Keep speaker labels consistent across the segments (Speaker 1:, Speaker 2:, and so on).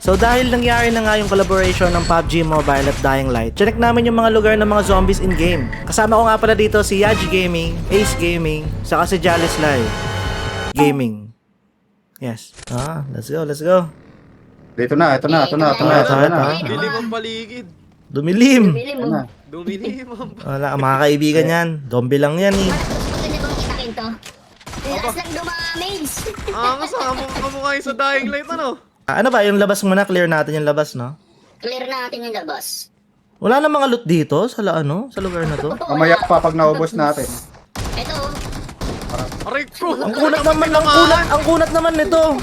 Speaker 1: So dahil nangyari na nga yung collaboration ng PUBG Mobile at Dying Light, check namin yung mga lugar ng mga zombies in-game. Kasama ko nga pala dito si Yaji Gaming, Ace Gaming, saka si Jalislay Gaming. Yes. Let's go, let's go.
Speaker 2: Ito na.
Speaker 3: Dilim ang paligid.
Speaker 1: Dumilim.
Speaker 2: Ito na.
Speaker 3: Dumilim ang
Speaker 1: Wala, mga kaibigan yan. Zombie lang yan eh.
Speaker 4: Maganda bang kitakin to? Lakas lang dumamage.
Speaker 3: angas kamukha yung sa Dying Light ano?
Speaker 1: Ano ba, yung labas muna, clear natin yung labas, no?
Speaker 4: Clear natin yung labas.
Speaker 1: Wala na mga loot dito sa sa lugar na to.
Speaker 2: Mamaya pa pag naubos natin.
Speaker 4: Ito.
Speaker 3: Aray ko!
Speaker 1: Ang kunat naman, ang kunat naman nito.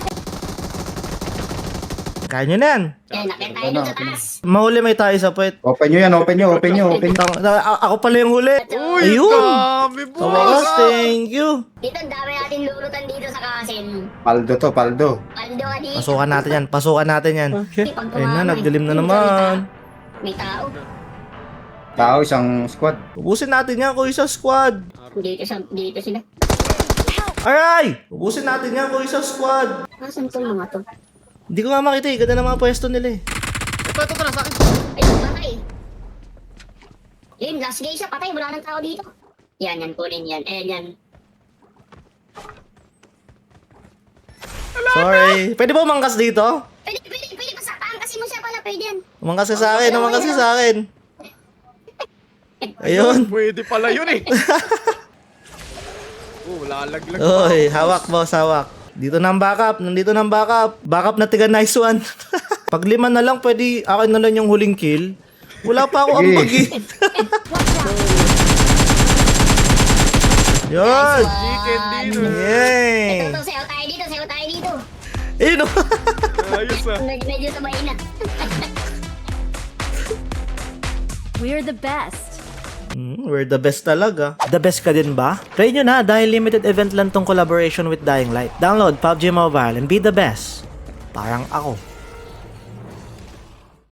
Speaker 1: Kaya nyo na yan.
Speaker 4: Yan, nakita tayo dun sa taas.
Speaker 1: Mahuli may tayo sa puwet.
Speaker 2: Open nyo yan, open nyo.
Speaker 1: Ako pala yung huli.
Speaker 3: Uy,
Speaker 1: Ayun.
Speaker 3: dami
Speaker 1: Sa wakas, thank you.
Speaker 4: Dito, ang dami natin lurutan dito sa kasin.
Speaker 2: Paldo to, paldo.
Speaker 4: Paldo ka dito.
Speaker 1: Pasukan natin yan.
Speaker 4: Pag
Speaker 1: Ayun na,
Speaker 4: tumama,
Speaker 1: nagdilim na
Speaker 4: dito,
Speaker 1: naman.
Speaker 4: May tao.
Speaker 2: Tao, isang squad.
Speaker 1: Ubusin natin yan, kuya sa squad.
Speaker 4: Dito sila.
Speaker 1: Aray! Ubusin natin yan, kuya sa squad.
Speaker 4: Nasaan tong mga to?
Speaker 1: Hindi ko nga makita eh, ganda ng mga pwesto nila eh.
Speaker 3: Ito na sa akin.
Speaker 4: Ay, patay. Yun, last game siya, patay. Wala nang tao dito. Yan, kunin yan. Yan.
Speaker 1: Sorry. Pwede ba umangkas dito?
Speaker 4: Pwede. Pasapahan kasi mo siya pala. Pwede yan.
Speaker 1: Umangkas ka sa akin. Ayun.
Speaker 3: Pwede pala yun eh. Lalaglag.
Speaker 1: Oy, hawak boss, hawak. Dito na ang backup, nandito na ang backup. Backup na tiga nice one. Pag 5 na lang, pwede akin na lang yung huling kill. Wala pa ako ang bagi. Yun!
Speaker 3: Chicken dinner.
Speaker 1: Yay!
Speaker 4: Ito, sayo tayo dito.
Speaker 1: Ayun o.
Speaker 3: Ayos ah.
Speaker 4: Medyo sabay na.
Speaker 5: We're the best.
Speaker 1: We're the best talaga. The best ka din ba? Try nyo na dahil limited event lang tong collaboration with Dying Light. Download PUBG Mobile and be the best. Parang ako.